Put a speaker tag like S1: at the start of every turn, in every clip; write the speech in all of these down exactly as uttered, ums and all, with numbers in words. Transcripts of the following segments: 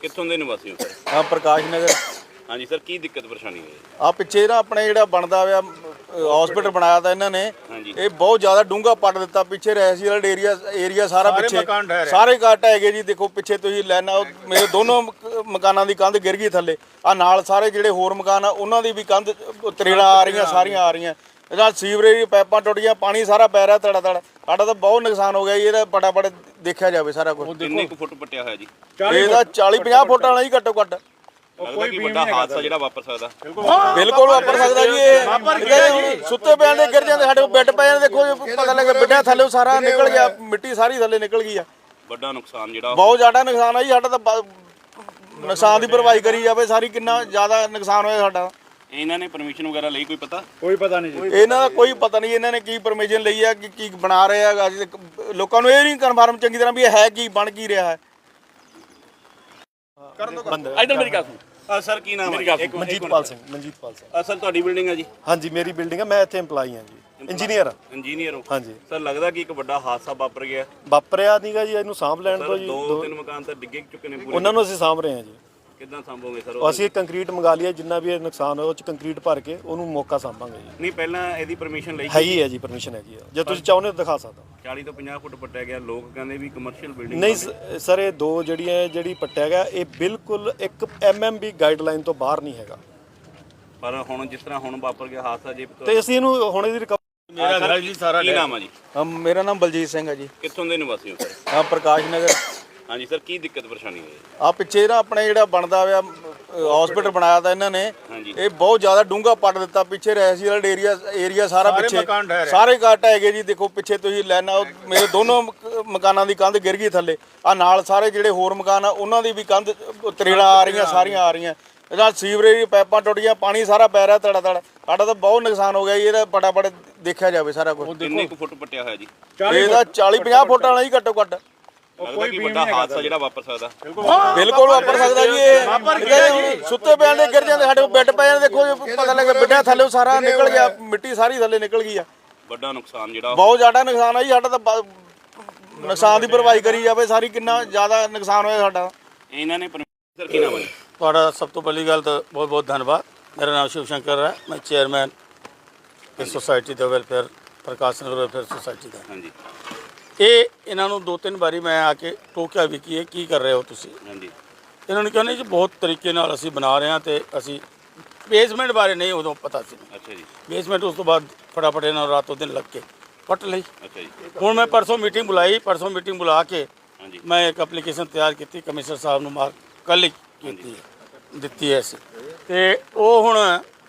S1: ਕਿੱਥੋਂ ਦੇ ਨਿਵਾਸੀ ਹੋ ਸਰ?
S2: हाँ प्रकाश नगर।
S1: हाँ जी सर, की दिक्कत परेशानी है?
S2: आ पिछे ना अपने ਜਿਹੜਾ ਬਣਦਾ ਹੋਇਆ ਹਸਪੀਟਲ ਬਣਾਇਆ ਤਾਂ ਇਹਨਾਂ ਨੇ
S1: ਹਾਂਜੀ।
S2: ਇਹ ਬਹੁਤ ਜ਼ਿਆਦਾ ਡੂੰਘਾ ਪੱਟ ਦਿੱਤਾ ਪਿੱਛੇ ਰੈਸੀਅਲ ਏਰੀਆ ਏਰੀਆ ਸਾਰਾ ਪਿੱਛੇ ਸਾਰੇ ਘੱਟ ਹੈਗੇ ਜੀ। ਦੇਖੋ ਪਿੱਛੇ ਤੁਸੀਂ ਲੈਣਾ ਮੇਰੇ ਦੋਨੋਂ ਮਕ- ਮਕਾਨਾਂ ਦੀ ਕੰਧ ਗਿਰ ਗਈ ਥੱਲੇ। ਆ ਨਾਲ ਸਾਰੇ ਜਿਹੜੇ ਹੋਰ ਮਕਾਨ ਆ ਉਹਨਾਂ ਦੀ ਵੀ ਕੰਧ ਤਰੇੜਾਂ ਆ ਰਹੀਆਂ, ਸਾਰੀਆਂ ਆ ਰਹੀਆਂ। ਇਹਦਾ ਸੀਵਰੇਜ ਦੀ ਪਾਈਪਾਂ ਟੁੱਟ ਗਈਆਂ, ਪਾਣੀ ਸਾਰਾ ਪੈ ਰਿਹਾ ਤੜਾ ਤੜ। ਸਾਡਾ ਤਾਂ ਬਹੁਤ ਨੁਕਸਾਨ ਹੋ ਗਿਆ ਜੀ। ਇਹਦਾ ਫਟਾਫਟ ਦੇਖਿਆ ਜਾਵੇ ਸਾਰਾ ਕੁਝ।
S1: ਕਿੰਨੇ ਕੁ ਫੁੱਟ ਪੱਟਿਆ ਹੋਇਆ ਜੀ?
S2: ਇਹਦਾ ਚਾਲੀ ਪੰਜਾਹ ਫੁੱਟ ਵਾਲਾ ਹੀ ਘੱਟੋ ਘੱਟ।
S1: ਲੱਗਦਾ ਕਿ ਵੱਡਾ ਹਾਦਸਾ ਜਿਹੜਾ ਵਾਪਰ ਸਕਦਾ?
S2: ਬਿਲਕੁਲ ਵਾਪਰ ਸਕਦਾ ਜੀ। ਇਹ ਸੁੱਤੇ ਪਿਆਂ ਦੇ ਗਿਰ ਜਾਂਦੇ, ਸਾਡੇ ਕੋਲ ਬੈੱਡ ਪਏ ਜਾਂਦੇ। ਦੇਖੋ ਪਤਾ ਲੱਗਾ ਬਿੱਡਿਆਂ ਥੱਲੇ ਸਾਰਾ ਨਿਕਲ ਗਿਆ, ਮਿੱਟੀ ਸਾਰੀ ਥੱਲੇ ਨਿਕਲ ਗਈ ਆ।
S1: ਵੱਡਾ ਨੁਕਸਾਨ ਜਿਹੜਾ
S2: ਬਹੁਤ ਜ਼ਿਆਦਾ ਨੁਕਸਾਨ ਆ ਜੀ ਸਾਡਾ। ਤਾਂ ਨੁਕਸਾਨ ਦੀ ਭਰਵਾਈ ਕਰੀ ਜਾਵੇ ਸਾਰੀ, ਕਿੰਨਾ ਜ਼ਿਆਦਾ ਨੁਕਸਾਨ ਹੋਇਆ ਸਾਡਾ।
S1: ਇਹਨਾਂ ਨੇ ਪਰਮਿਸ਼ਨ ਵਗੈਰਾ ਲਈ ਕੋਈ ਪਤਾ?
S3: ਕੋਈ ਪਤਾ ਨਹੀਂ ਜੀ,
S2: ਇਹਨਾਂ ਦਾ ਕੋਈ ਪਤਾ ਨਹੀਂ ਇਹਨਾਂ ਨੇ ਕੀ ਪਰਮਿਸ਼ਨ ਲਈ ਆ, ਕਿ ਕੀ ਬਣਾ ਰਹੇ ਆ। ਲੋਕਾਂ ਨੂੰ ਇਹ ਨਹੀਂ ਕਨਫਰਮ ਚੰਗੀ ਤਰ੍ਹਾਂ ਵੀ ਇਹ ਹੈ ਕੀ, ਬਣ ਕੀ ਰਿਹਾ ਹੈ।
S1: ਇਧਰ ਮੇਰੀ ਗੱਲ ਸੁਣ ਸਰ, ਕੀ ਨਾਮ ਹੈ?
S3: ਮਨਜੀਤਪਾਲ ਸਿੰਘ। ਮਨਜੀਤਪਾਲ ਸਿੰਘ
S1: ਸਰ ਤੁਹਾਡੀ ਬਿਲਡਿੰਗ ਹੈ ਜੀ?
S3: ਹਾਂਜੀ ਮੇਰੀ ਬਿਲਡਿੰਗ ਹੈ, ਮੈਂ ਇੱਥੇ EMPLOYE ਹਾਂ ਜੀ, ਇੰਜੀਨੀਅਰ।
S1: ਇੰਜੀਨੀਅਰ ਹੋ?
S3: ਹਾਂਜੀ
S1: ਸਰ ਲੱਗਦਾ ਕਿ ਇੱਕ ਵੱਡਾ ਹਾਦਸਾ ਵਾਪਰ ਗਿਆ?
S3: ਵਾਪਰਿਆ ਨਹੀਂਗਾ ਜੀ, ਇਹਨੂੰ ਸਾਂਭ ਲੈਣ ਤੋਂ ਜੀ।
S1: ਦੋ ਤਿੰਨ ਮਕਾਨ ਤਾਂ ਡਿੱਗੇ ਚੁੱਕੇ ਨੇ ਪੂਰੇ।
S3: ਉਹਨਾਂ ਨੂੰ ਅਸੀਂ ਸਾਂਭ ਰਹੇ ਹਾਂ ਜੀ।
S1: ਕਿੱਦਾਂ ਸੰਭੋਗੇ ਸਰ?
S3: ਅਸੀਂ ਕੰਕਰੀਟ ਮੰਗਾ ਲਿਆ, ਜਿੰਨਾ ਵੀ ਇਹ ਨੁਕਸਾਨ ਹੋਇਆ ਉਹ ਚ ਕੰਕਰੀਟ ਭਰ ਕੇ ਉਹਨੂੰ ਮੌਕਾ ਸਾਂਭਾਂਗੇ ਜੀ।
S1: ਨਹੀਂ ਪਹਿਲਾਂ ਇਹਦੀ ਪਰਮਿਸ਼ਨ ਲਈ?
S3: ਹੈ ਹੀ ਹੈ ਜੀ, ਪਰਮਿਸ਼ਨ ਹੈਗੀ ਆ, ਜੇ ਤੁਸੀਂ ਚਾਹੁੰਦੇ ਹੋ ਦਿਖਾ ਸਕਦਾ।
S1: ਚਾਲੀ ਤੋਂ ਪੰਜਾਹ ਫੁੱਟ ਪੱਟਿਆ ਗਿਆ। ਲੋਕ ਕਹਿੰਦੇ ਵੀ ਕਮਰਸ਼ੀਅਲ ਬਿਲਡਿੰਗ
S3: ਨਹੀਂ ਸ- ਸਰ, ਇਹ ਦੋ ਜਿਹੜੀਆਂ ਜਿਹੜੀ ਪੱਟਿਆ ਗਿਆ ਇਹ ਬਿਲਕੁਲ ਇੱਕ ਐਮਐਮਬੀ ਗਾਈਡਲਾਈਨ ਤੋਂ ਬਾਹਰ ਨਹੀਂ ਹੈਗਾ।
S1: ਪਰ ਹੁਣ ਜਿਸ ਤਰ੍ਹਾਂ ਹੁਣ ਵਾਪਰ ਗਿਆ ਹਾਦਸਾ ਜੇ
S3: ਤੇ ਅਸੀਂ ਇਹਨੂੰ ਹੁਣ ਇਹਦੀ ਰਿਕਵਰੀ।
S2: ਮੇਰਾ ਘਰ ਜੀ ਸਾਰਾ।
S1: ਕੀ ਨਾਮ ਹੈ ਜੀ?
S2: ਮੇਰਾ ਨਾਮ ਬਲਜੀਤ ਸਿੰਘ ਹੈ ਜੀ।
S1: ਕਿੱਥੋਂ ਦੇ ਨਿਵਾਸੀ ਹੋ ਸਰ?
S2: ਹਾਂ ਪ੍ਰਕਾਸ਼ ਨਗਰ।
S1: हाँ जी सर, की दिक्कत परेशानी है?
S2: ਆ ਪਿੱਛੇ ਨਾ ਆਪਣੇ ਜਿਹੜਾ ਬਣਦਾ ਹੋਇਆ ਹਸਪੀਟਲ ਬਣਾਇਆ ਤਾਂ ਇਹਨਾਂ ਨੇ ਇਹ ਬਹੁਤ ਜ਼ਿਆਦਾ ਡੂੰਘਾ ਪੱਟ ਦਿੱਤਾ। ਪਿੱਛੇ ਰੈਸੀਅਲ ਏਰੀਆ ਏਰੀਆ ਸਾਰਾ ਪਿੱਛੇ ਸਾਰੇ ਘੱਟ ਹੈਗੇ ਜੀ। ਦੇਖੋ ਪਿੱਛੇ ਤੁਸੀਂ ਲੈਣਾ ਮੇਰੇ ਦੋਨੋਂ ਮਕ- ਮਕਾਨਾਂ ਦੀ ਕੰਧ ਗਿਰ ਗਈ ਥੱਲੇ। ਆ ਨਾਲ ਸਾਰੇ ਜਿਹੜੇ ਹੋਰ ਮਕਾਨ ਆ ਉਹਨਾਂ ਦੀ ਵੀ ਕੰਧ ਤਰੇੜਾਂ ਆ ਰਹੀਆਂ, ਸਾਰੀਆਂ ਆ ਰਹੀਆਂ। ਇਹਦਾ ਸੀਵਰੇਜ ਦੀ ਪਾਈਪਾਂ ਟੁੱਟ ਗਈਆਂ, ਪਾਣੀ ਸਾਰਾ ਪੈ ਰਿਹਾ ਤੜਾ ਤੜ। ਸਾਡਾ ਤਾਂ ਬਹੁਤ ਨੁਕਸਾਨ ਹੋ ਗਿਆ ਜੀ। ਇਹਦਾ ਫਟਾਫਟ ਦੇਖਿਆ ਜਾਵੇ ਸਾਰਾ ਕੁਝ।
S1: ਕਿੰਨੇ ਕੁ ਫੁੱਟ ਪੱਟਿਆ ਹੋਇਆ ਜੀ?
S2: ਇਹਦਾ ਚਾਲੀ ਪੰਜਾਹ ਫੁੱਟ ਵਾਲਾ ਹੀ ਘੱਟੋ ਘੱਟ।
S1: ਲੱਗਦਾ ਕਿ ਵੱਡਾ ਹਾਦਸਾ ਜਿਹੜਾ ਵਾਪਰ ਸਕਦਾ?
S2: ਬਿਲਕੁਲ ਵਾਪਰ ਸਕਦਾ ਜੀ। ਇਹ ਸੁੱਤੇ ਪਿਆਂ ਦੇ ਗਿਰ ਜਾਂਦੇ, ਸਾਡੇ ਕੋਲ ਬੈੱਡ ਪਏ ਜਾਂਦੇ। ਦੇਖੋ ਪਤਾ ਲੱਗਾ ਬਿੱਡਿਆਂ ਥੱਲੇ ਸਾਰਾ ਨਿਕਲ ਗਿਆ, ਮਿੱਟੀ ਸਾਰੀ ਥੱਲੇ ਨਿਕਲ ਗਈ ਆ।
S1: ਵੱਡਾ ਨੁਕਸਾਨ ਜਿਹੜਾ
S2: ਬਹੁਤ ਜ਼ਿਆਦਾ ਨੁਕਸਾਨ ਆ ਜੀ ਸਾਡਾ। ਤਾਂ ਨੁਕਸਾਨ ਦੀ ਭਰਵਾਈ ਕਰੀ ਜਾਵੇ ਸਾਰੀ, ਕਿੰਨਾ ਜ਼ਿਆਦਾ ਨੁਕਸਾਨ ਹੋਇਆ ਸਾਡਾ।
S1: ਇਹਨਾਂ ਨੇ ਸਰ ਕੀ ਨਾਮ ਹੈ?
S4: ਤੁਹਾਡਾ ਸਭ ਤੋਂ ਪਹਿਲੀ ਗੱਲ ਤਾਂ ਬਹੁਤ ਬਹੁਤ ਧੰਨਵਾਦ। ਮੇਰਾ ਨਾਮ ਸ਼ਿਵ ਸ਼ੰਕਰ ਹੈ, ਮੈਂ ਚੇਅਰਮੈਨ ਇਸ ਸੁਸਾਇਟੀ ਦਾ, welfare Prakash Nagar welfare society ਦਾ।
S1: ਹਾਂਜੀ।
S4: ਇਹ ਇਹਨਾਂ ਨੂੰ ਦੋ ਤਿੰਨ ਵਾਰੀ ਮੈਂ ਆ ਕੇ ਟੋਕਿਆ ਵੀ ਕੀ ਇਹ ਕੀ ਕਰ ਰਹੇ ਹੋ ਤੁਸੀਂ।
S1: ਹਾਂਜੀ।
S4: ਇਹਨਾਂ ਨੂੰ ਕਹਿੰਦੇ ਜੀ ਬਹੁਤ ਤਰੀਕੇ ਨਾਲ ਅਸੀਂ ਬਣਾ ਰਹੇ ਹਾਂ ਤੇ ਅਸੀਂ ਬੇਸਮੈਂਟ ਬਾਰੇ ਨਹੀਂ ਉਦੋਂ ਪਤਾ ਸੀ।
S1: ਅੱਛਾ ਜੀ।
S4: ਬੇਸਮੈਂਟ ਉਸ ਤੋਂ ਬਾਅਦ ਫਟਾਫਟ ਇਹਨਾਂ ਨੂੰ ਰਾਤੋਂ ਦਿਨ ਲੱਗ ਕੇ ਪੱਟ ਲਈ।
S1: ਅੱਛਾ ਜੀ।
S4: ਹੁਣ ਮੈਂ ਪਰਸੋਂ ਮੀਟਿੰਗ ਬੁਲਾਈ, ਪਰਸੋਂ ਮੀਟਿੰਗ ਬੁਲਾ ਕੇ
S1: ਹਾਂਜੀ।
S4: ਮੈਂ ਇੱਕ ਐਪਲੀਕੇਸ਼ਨ ਤਿਆਰ ਕੀਤੀ ਕਮਿਸ਼ਨਰ ਸਾਹਿਬ ਨੂੰ, ਮਾਰ ਕੱਲ੍ਹ ਹੀ ਕੀਤੀ ਹੈ, ਦਿੱਤੀ ਹੈ ਅਸੀਂ। ਤੇ ਉਹ ਹੁਣ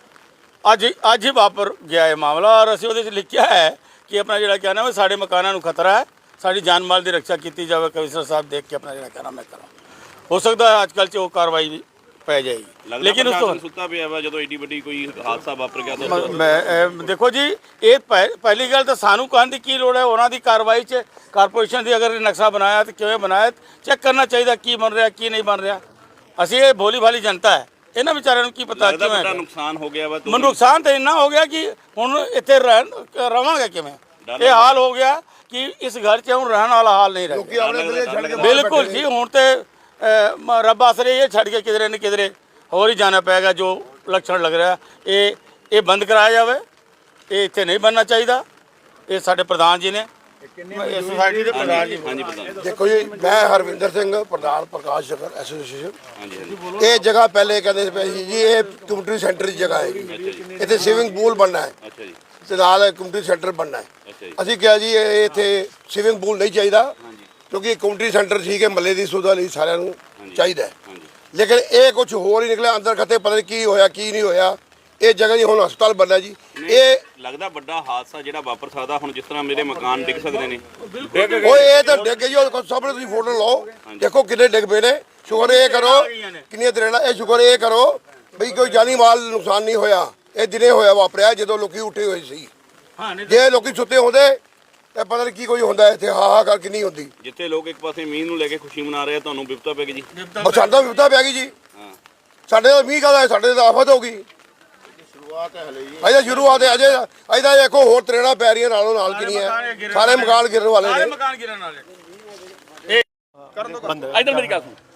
S4: ਅੱਜ ਅੱਜ ਹੀ ਵਾਪਰ ਗਿਆ ਇਹ ਮਾਮਲਾ। ਔਰ ਅਸੀਂ ਉਹਦੇ 'ਚ ਲਿਖਿਆ ਹੈ ਕਿ ਆਪਣਾ ਜਿਹੜਾ ਕਹਿਣਾ ਹੈ ਸਾਡੇ ਮਕਾਨਾਂ ਨੂੰ ਖਤਰਾ ਹੈ, ਸਾਡੀ ਜਾਨ ਮਾਲ ਦੀ ਰੱਖਿਆ ਕੀਤੀ ਜਾਵੇ। ਕਮਿਸ਼ਨਰ ਸਾਹਿਬ ਦੇਖ ਕੇ ਆਪਣਾ ਜਿਹੜਾ ਕਹਿਣਾ ਮੈਂ ਕਰਾਂ। ਹੋ ਸਕਦਾ ਹੈ ਅੱਜ ਕੱਲ੍ਹ 'ਚ ਉਹ ਕਾਰਵਾਈ ਵੀ ਪੈ ਜਾਏਗੀ, ਲੇਕਿਨ ਉਸ ਤੋਂ
S1: ਸੁੱਤਾ ਪਿਆ ਵਾ ਜਦੋਂ ਏਡੀ ਵੱਡੀ ਕੋਈ ਹਾਦਸਾ ਵਾਪਰ ਗਿਆ ਤਾਂ
S4: ਮੈਂ ਦੇਖੋ ਜੀ, ਇਹ ਪਹਿਲੀ ਗੱਲ ਤਾਂ ਸਾਨੂੰ ਕਹਿਣ ਦੀ ਕੀ ਲੋੜ ਹੈ। ਉਹਨਾਂ ਦੀ ਕਾਰਵਾਈ 'ਚ ਕਾਰਪੋਰੇਸ਼ਨ ਦੀ ਅਗਰ ਨਕਸ਼ਾ ਬਣਾਇਆ ਤਾਂ ਕਿਵੇਂ ਬਣਾਇਆ, ਚੈੱਕ ਕਰਨਾ ਚਾਹੀਦਾ ਕੀ ਬਣ ਰਿਹਾ ਕੀ ਨਹੀਂ ਬਣ ਰਿਹਾ। ਅਸੀਂ ਇਹ ਭੋਲੀ ਭਾਲੀ ਜਨਤਾ ਹੈ, ਇਹਨਾਂ ਵਿਚਾਰਿਆਂ ਨੂੰ ਕੀ ਪਤਾ ਕਿਵੇਂ
S1: ਵੱਡਾ ਨੁਕਸਾਨ ਹੋ ਗਿਆ ਵਾ।
S4: ਮੈਨੂੰ ਨੁਕਸਾਨ ਤਾਂ ਇੰਨਾ ਹੋ ਗਿਆ ਕਿ ਹੁਣ ਇੱਥੇ ਰਹਿ ਰਵਾਂਗੇ ਕਿਵੇਂ। ਇਹ ਹਾਲ ਹੋ ਗਿਆ ਕਿ ਇਸ ਘਰ 'ਚ ਹੁਣ ਰਹਿਣ ਵਾਲਾ ਹਾਲ ਨਹੀਂ ਰਿਹਾ। ਬਿਲਕੁਲ ਜੀ, ਹੁਣ ਤੇ ਰੱਬ ਆਸਰੇ ਇਹ ਛੱਡ ਕੇ ਕਿਧਰੇ ਨਾ ਕਿਧਰੇ ਹੋਰ ਹੀ ਜਾਣਾ ਪਏਗਾ। ਜੋ ਲੱਛਣ ਲੱਗ ਰਿਹਾ ਇਹ ਇਹ ਬੰਦ ਕਰਾਇਆ ਜਾਵੇ। ਇਹ ਇੱਥੇ ਨਹੀਂ ਬਣਨਾ ਚਾਹੀਦਾ। ਇਹ ਸਾਡੇ ਪ੍ਰਧਾਨ ਜੀ ਨੇ, ਇਸ ਸੁਸਾਇਟੀ ਦੇ ਪ੍ਰਧਾਨ ਜੀ।
S1: ਹਾਂਜੀ ਪ੍ਰਧਾਨ।
S5: ਦੇਖੋ ਜੀ, ਮੈਂ ਹਰਵਿੰਦਰ ਸਿੰਘ, ਪ੍ਰਧਾਨ ਪ੍ਰਕਾਸ਼ ਨਗਰ ਐਸੋਸੀਏਸ਼ਨ।
S1: ਹਾਂਜੀ ਹਾਂਜੀ।
S5: ਇਹ ਜਗ੍ਹਾ ਪਹਿਲੇ ਕਹਿੰਦੇ ਪਏ ਸੀ ਜੀ ਇਹ ਕਮਿਊਨਿਟੀ ਸੈਂਟਰ ਦੀ ਜਗ੍ਹਾ ਹੈ, ਇੱਥੇ ਸਵਿਮਿੰਗ ਪੂਲ ਬਣਨਾ ਹੈ
S1: ਅੱਛਾ ਜੀ।
S5: ਤੇ ਨਾਲ ਕਮਿਊਨਿਟੀ ਸੈਂਟਰ ਬਣਨਾ ਹੈ।
S1: ਅੱਛਾ ਜੀ।
S5: ਅਸੀਂ ਕਿਹਾ ਜੀ ਇਹ ਇੱਥੇ ਸਵਿਮਿੰਗ ਪੂਲ ਨਹੀਂ ਚਾਹੀਦਾ, ਕਿਉਂਕਿ ਕਮਿਊਨਿਟੀ ਸੈਂਟਰ ਠੀਕ ਹੈ, ਮਹੱਲੇ ਦੀ ਸੁਵਿਧਾ ਲਈ ਸਾਰਿਆਂ ਨੂੰ ਚਾਹੀਦਾ ਹੈ। ਲੇਕਿਨ ਇਹ ਕੁਝ ਹੋਰ ਹੀ ਨਿਕਲਿਆ ਅੰਦਰ ਖੱਤੇ, ਪਤਾ ਨਹੀਂ ਕੀ ਹੋਇਆ ਕੀ ਨਹੀਂ ਹੋਇਆ। ਇਹ ਜਗ੍ਹਾ ਜੀ ਹੁਣ ਹਸਪਤਾਲ ਬਣਨਾ ਜੀ। ਇਹ
S1: ਲੱਗਦਾ ਵੱਡਾ ਹਾਦਸਾ ਜਿਹੜਾ ਵਾਪਰ ਸਕਦਾ ਹੁਣ, ਜਿਸ ਤਰ੍ਹਾਂ ਮੇਰੇ ਮਕਾਨ ਡਿੱਗ ਸਕਦੇ ਨੇ।
S5: ਓਏ ਇਹ ਤਾਂ ਡਿੱਗ ਗਈ, ਉਹ ਸਾਹਮਣੇ ਤੁਸੀਂ ਫੋਟੋ ਲਓ, ਦੇਖੋ ਕਿੰਨੇ ਡਿੱਗ ਪਏ ਨੇ। ਸ਼ੁਕਰ ਇਹ ਕਰੋ ਕਿੰਨੀਆਂ ਤਰੇੜਾਂ, ਇਹ ਸ਼ੁਕਰ ਇਹ ਕਰੋ ਬਈ ਕੋਈ ਜਾਨੀ ਮਾਲ ਨੁਕਸਾਨ ਨਹੀਂ ਹੋਇਆ। ਇਹ ਦਿਨੇ ਹੋਇਆ ਵਾਪਰਿਆ ਜਦੋਂ ਲੋਕੀ ਉੱਠੇ ਹੋਏ ਸੀ। ਜੇ ਲੋਕੀ ਸੁੱਤੇ ਹੁੰਦੇ ਤੇ ਪਤਾ ਨਹੀਂ ਕੀ ਕੋਈ ਹੁੰਦਾ ਇੱਥੇ, ਹਾਹਾਕਾਰ ਕਿੰਨੀ ਹੁੰਦੀ।
S1: ਜਿੱਥੇ ਲੋਕ ਇੱਕ ਪਾਸੇ ਮੀਂਹ ਨੂੰ ਲੈ ਕੇ ਖੁਸ਼ੀ ਮਨਾ ਰਹੇ ਆ, ਤੁਹਾਨੂੰ ਵਿਪਤਾ ਪੈ ਗਈ ਜੀ।
S5: ਸਾਡਾ ਵਿਪਤਾ ਪੈ ਗਈ ਜੀ। ਸਾਡੇ ਤਾਂ ਮੀਂਹ ਕਾਹਦਾ, ਸਾਡੇ ਤਾਂ ਆਫਤ ਹੋ ਗਈ। ਸ਼ੁਰੂਆਤ ਹੈ ਹਲੇ ਜੀ, ਅਜੇ ਸ਼ੁਰੂਆਤ ਹੈ। ਅਜੇ ਅਜੇ ਦੇਖੋ ਹੋਰ ਤਰੇੜਾਂ ਪੈ ਰਹੀਆਂ ਨਾਲੋਂ ਨਾਲ ਕਿੰਨੀਆਂ, ਸਾਰੇ ਮਕਾਨ ਗਿਰਨ ਵਾਲੇ ਨੇ।
S4: ਮਕਾਨ ਗਿਰਨ ਵਾਲੇ।
S3: ਬੰਦ
S1: ਇਧਰ ਮੇਰੀ ਗੱਲ ਸੁਣ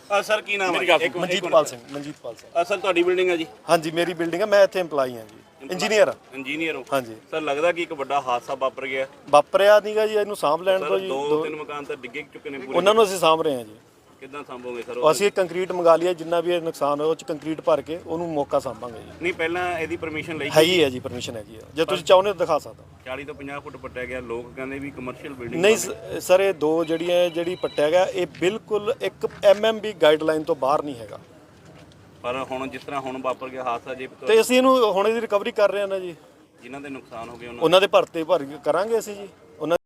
S1: ਅ, ਸਰ ਕੀ ਨਾਮ ਹੈ? ਇੱਕ
S3: ਮਨਜੀਤਪਾਲ ਸਿੰਘ ਮਨਜੀਤਪਾਲ ਸਿੰਘ
S1: ਅ, ਸਰ ਤੁਹਾਡੀ ਬਿਲਡਿੰਗ ਹੈ ਜੀ?
S3: ਹਾਂਜੀ ਮੇਰੀ ਬਿਲਡਿੰਗ ਹੈ, ਮੈਂ ਇੱਥੇ EMPLOYE ਹਾਂ ਜੀ, ਇੰਜੀਨੀਅਰ।
S1: ਇੰਜੀਨੀਅਰ ਹੋ?
S3: ਹਾਂਜੀ
S1: ਸਰ ਲੱਗਦਾ ਕਿ ਇੱਕ ਵੱਡਾ ਹਾਦਸਾ ਵਾਪਰ ਗਿਆ।
S3: ਵਾਪਰਿਆ ਨਹੀਂਗਾ ਜੀ, ਇਹਨੂੰ ਸਾਂਭ ਲੈਣ
S1: ਸਰ
S3: ਤੋਂ ਜੀ।
S1: ਦੋ ਤਿੰਨ ਮਕਾਨ ਤਾਂ ਡਿੱਗੇ ਚੁੱਕੇ ਨੇ ਪੂਰੇ।
S3: ਉਹਨਾਂ ਨੂੰ ਅਸੀਂ ਸਾਂਭ ਰਹੇ ਹਾਂ ਜੀ।
S1: ਕਿੱਦਾਂ ਸੰਭੋਗੇ ਸਰ?
S3: ਅਸੀਂ ਕੰਕਰੀਟ ਮੰਗਾ ਲਿਆ, ਜਿੰਨਾ ਵੀ ਇਹ ਨੁਕਸਾਨ ਹੋਇਆ ਉਹ ਚ ਕੰਕਰੀਟ ਭਰ ਕੇ ਉਹਨੂੰ ਮੌਕਾ ਸਾਂਭਾਂਗੇ ਜੀ।
S1: ਨਹੀਂ ਪਹਿਲਾਂ ਇਹਦੀ ਪਰਮਿਸ਼ਨ ਲਈ
S3: ਹੈਗੀ ਹੈ ਜੀ, ਪਰਮਿਸ਼ਨ ਹੈਗੀ ਹੈ, ਜੇ ਤੁਸੀਂ ਚਾਹੁੰਦੇ ਹੋ ਦਿਖਾ ਸਕਦਾ।
S1: ਚਾਲੀ ਤੋਂ ਪੰਜਾਹ ਫੁੱਟ ਪੱਟਿਆ ਗਿਆ, ਲੋਕ ਕਹਿੰਦੇ ਵੀ ਕਮਰਸ਼ੀਅਲ ਬਿਲਡਿੰਗ।
S3: ਨਹੀਂ ਸ- ਸਰ ਇਹ ਦੋ ਜਿਹੜੀਆਂ ਜਿਹੜੀ ਪੱਟਿਆ ਗਿਆ ਇਹ ਬਿਲਕੁਲ ਇੱਕ ਐਮਐਮਬੀ ਗਾਈਡਲਾਈਨ ਤੋਂ ਬਾਹਰ ਨਹੀਂ ਹੈਗਾ।
S1: ਪਰ ਹੁਣ ਜਿਸ ਤਰ੍ਹਾਂ ਹੁਣ ਵਾਪਰ ਗਿਆ ਹਾਦਸਾ ਜੇ
S3: ਤੇ ਅਸੀਂ ਇਹਨੂੰ ਹੁਣ ਇਹਦੀ ਰਿਕਵਰੀ ਕਰ ਰਹੇ ਹਾਂ ਨਾ ਜੀ।
S1: ਜਿਨ੍ਹਾਂ ਦੇ ਨੁਕਸਾਨ ਹੋ ਗਏ ਉਹਨਾਂ
S3: ਉਹਨਾਂ ਦੇ ਭਰਤੇ ਭਰ ਕਰਾਂਗੇ ਅਸੀਂ ਜੀ। ਉਹਨਾਂ